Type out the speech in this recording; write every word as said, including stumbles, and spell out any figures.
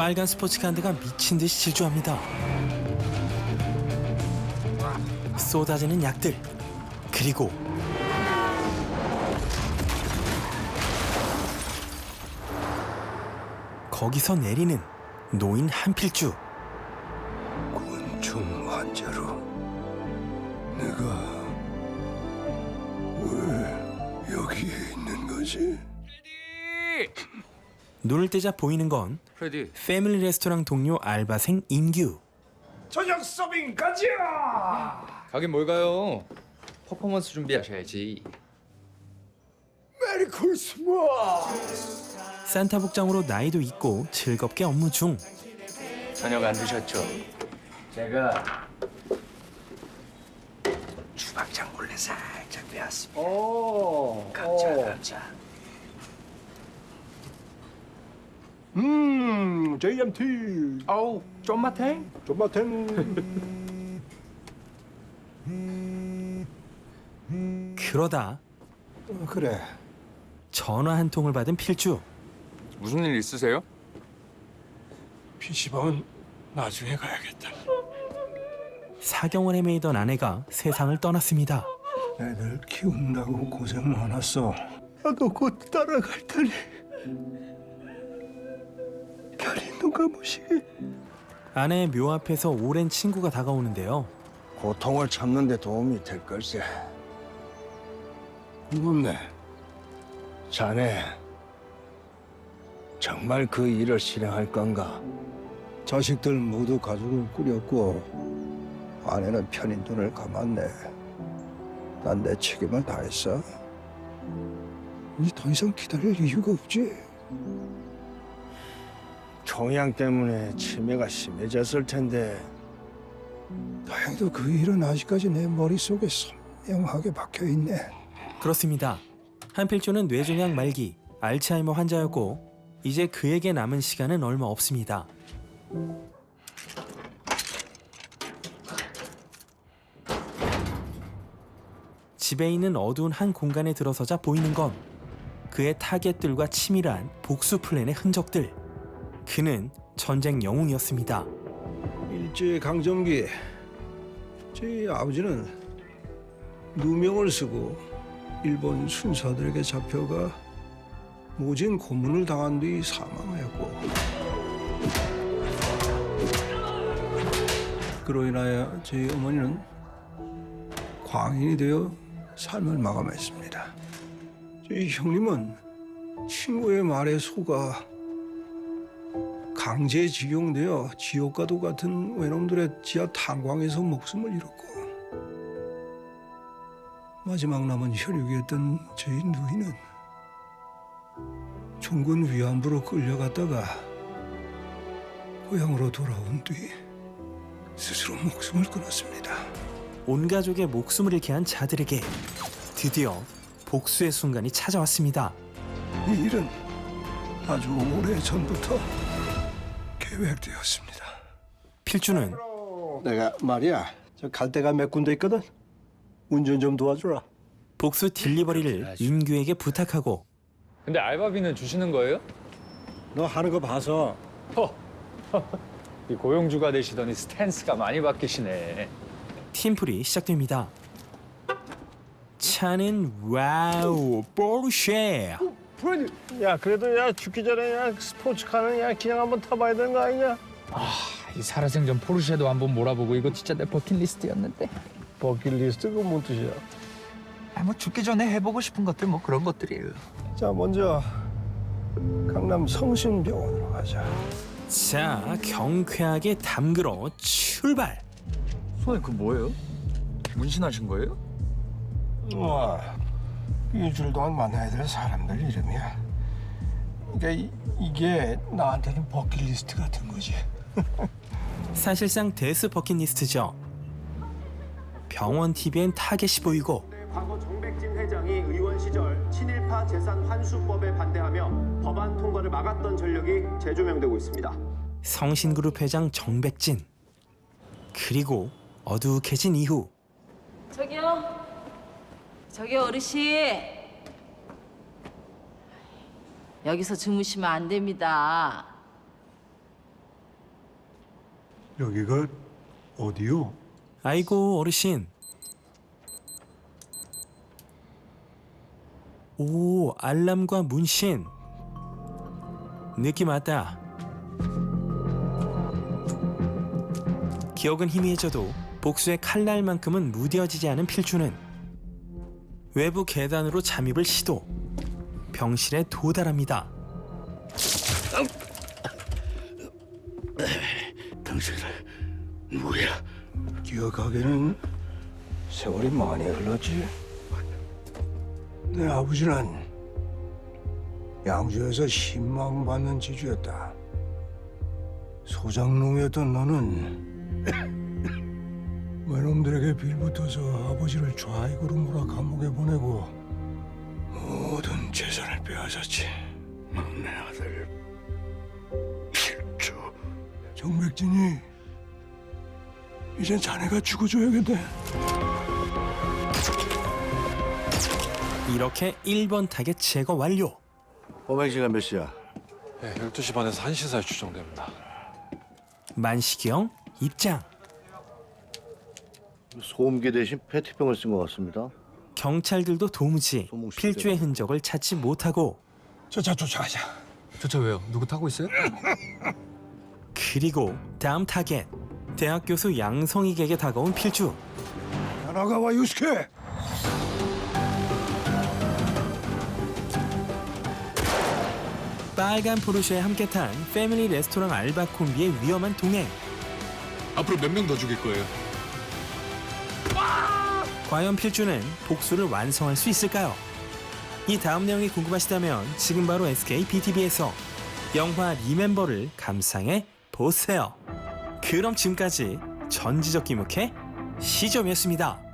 빨간 스포츠카드가 미친 듯이 질주합니다. 쏟아지는 약들, 그리고 거기서 내리는 노인 한필주. 곤충 환자로 내가 왜 여기에 있는 거지? 눈을 떼자 보이는 건 프레디. 패밀리 레스토랑 동료 알바생 임규. 저녁 서빙 가자! 가긴 뭘 가요? 퍼포먼스 준비하셔야지. 메리 크리스마스! 산타 복장으로 나이도 있고 즐겁게 업무 중. 저녁 안 드셨죠? 제가 주방장 몰래 살짝 빼왔습니다. 오. 감자, 감자. 음, 제이엠티. 어우, 쫀마탱? 존맛탱. 그러다 어, 그래. 전화 한 통을 받은 필주. 무슨 일 있으세요? 피시방은 나중에 가야겠다. 사경을 헤매이던 아내가 세상을 떠났습니다. 애들 키운다고 고생 많았어. 나도 곧 따라갈 테니 별이 누가 보시게. 아내의 묘 앞에서 오랜 친구가 다가오는데요. 고통을 참는 데 도움이 될 걸세. 궁금네. 자네 정말 그 일을 실행할 건가? 자식들 모두 가족을 꾸렸고 아내는 편히 눈을 감았네. 난 내 책임을 다했어. 이제 더 이상 기다릴 이유가 없지. 종양 때문에 치매가 심해졌을 텐데 다행히도 그 일은 아직까지 내 머릿속에 선명하게 박혀있네. 그렇습니다. 한필주는 뇌종양 말기, 알츠하이머 환자였고 이제 그에게 남은 시간은 얼마 없습니다. 집에 있는 어두운 한 공간에 들어서자 보이는 건 그의 타겟들과 치밀한 복수 플랜의 흔적들. 그는 전쟁 영웅이었습니다. 일제 강점기 제 아버지는 누명을 쓰고 일본 순사들에게 잡혀가 모진 고문을 당한 뒤 사망하였고, 그로 인하여 제 어머니는 광인이 되어 삶을 마감했습니다. 제 형님은 친구의 말에 속아 강제징용되어 지옥과도 같은 외놈들의 지하 탄광에서 목숨을 잃었고, 마지막 남은 혈육이었던 저희 누이는 종군 위안부로 끌려갔다가 고향으로 돌아온 뒤 스스로 목숨을 끊었습니다. 온 가족의 목숨을 잃게 한 자들에게 드디어 복수의 순간이 찾아왔습니다. 이 일은 아주 오래 전부터 계획되었습니다. 필주는 내가 말이야, 저 갈 데가 몇 군데 있거든. 운전 좀 도와주라. 복수 딜리버리를 임규에게 부탁하고 근데 알바비는 주시는 거예요? 너 하는 거 봐서. 이 고용주가 되시더니 스탠스가 많이 바뀌시네. 팀플이 시작됩니다. 차는 와우 포르쉐. 야 그래도 야 죽기 전에 야 스포츠카는 야 그냥 한번 타봐야 되는 거 아니냐? 이 살아생전 포르쉐도 한번 몰아보고 이거 진짜 내 버킷리스트였는데. 버킷리스트 그건 뭔 뜻이야? 아, 뭐 죽기 전에 해보고 싶은 것들 뭐 그런 것들이에요. 자, 먼저 강남 성심병원으로 가자. 자, 경쾌하게 담그러 출발. 손에 그 뭐예요? 문신하신 거예요? 와, 일주일 동안 만나야 될 사람들 이름이야. 그러니까 이, 이게 나한테는 버킷리스트 같은 거지. 사실상 데스 버킷리스트죠. 병원 티비엔 타겟이 보이고 과거 정백진 회장이 의원 시절 친일파 재산 환수법에 반대하며 법안 통과를 막았던 전력이 재조명되고 있습니다. 성신그룹 회장 정백진. 그리고 어둑해진 이후 저기요. 저기요 어르신. 여기서 주무시면 안 됩니다. 여기가 어디요? 아이고 어르신. 오, 알람과 문신. 느낌 왔다. 기억은 희미해져도 복수의 칼날만큼은 무뎌지지 않은 필주는 외부 계단으로 잠입을 시도. 병실에 도달합니다. 당신은 누구야? 기억하기는 세월이 많이 흘렀지. 내 아버지는 양주에서 신망받는 지주였다. 소장농이었던 너는 외놈들에게 빌붙어서 아버지를 좌익으로 몰아 감옥에 보내고 모든 재산을 빼앗았지. 막내 아들 필주. 정백진이 이젠 자네가 죽어줘야겠네. 이렇게 일 번 타겟 제거 완료. 범행 시간 몇 시야? 네, 열두 시 반에서 한 시 사이 추정됩니다. 만식이 형 입장. 소음기 대신 페트병을 쓴 것 같습니다. 경찰들도 도무지 소목시대가. 필주의 흔적을 찾지 못하고 저차 쫓아가자. 저차 왜요? 누구 타고 있어요? 그리고 다음 타겟 대학 교수 양성익에게 다가온 필주. 야나가와 유스케. 빨간 포르쉐에 함께 탄 패밀리 레스토랑 알바 콤비의 위험한 동행. 앞으로 몇 명 더 죽일 거예요? 과연 필주는 복수를 완성할 수 있을까요? 이 다음 내용이 궁금하시다면 지금 바로 에스케이 비티비에서 영화 리멤버를 감상해 보세요. 그럼 지금까지 전지적 기묵의 시점이었습니다.